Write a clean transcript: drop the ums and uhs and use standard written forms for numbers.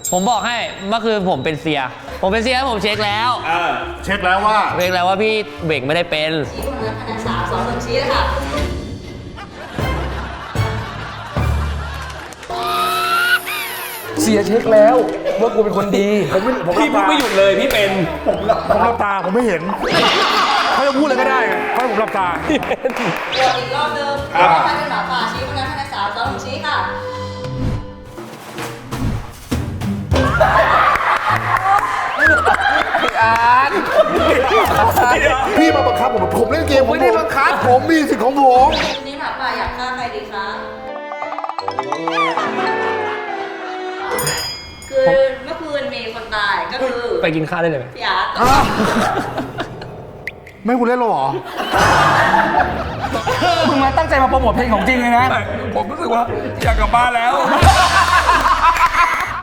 ผมบอกให้เมื่อคืนผมเป็นเซียผมเช็คแล้วเช็คแล้วว่าพี่เบ่งไม่ได้เป็นชี้คนนั้นคะแนน3 2 1ชี้เลยค่ะเสียเช็คแล้วว่ากูเป็นคนดีพี่พูดไม่หยุดเลยพี่เป็นผมหลับตาผมไม่เห็นเขาจะพูดอะไรก็ได้เขาให้ผมหลับตาโหวตอีกรอบนึงใครเป็นหมาป่าชี้คนนั้นคะแนน3 2 1ชี้ค่ะพี่มาบังคับผมเล่นเกมไม่ได้บังคับผมมีสิทธิ์ของผมวันนี้หมาป่าอยากฆ่าใครดีคะคือเมื่อคืนมีคนตายก็คือไปกินข้าวได้เลยไหมพี่อาร์ตไม่คุณเล่นหรอมึงมาตั้งใจมาโปรโมทเพลงของจริงเลยนะผมรู้สึกว่าอยากกลับบ้านแล้ว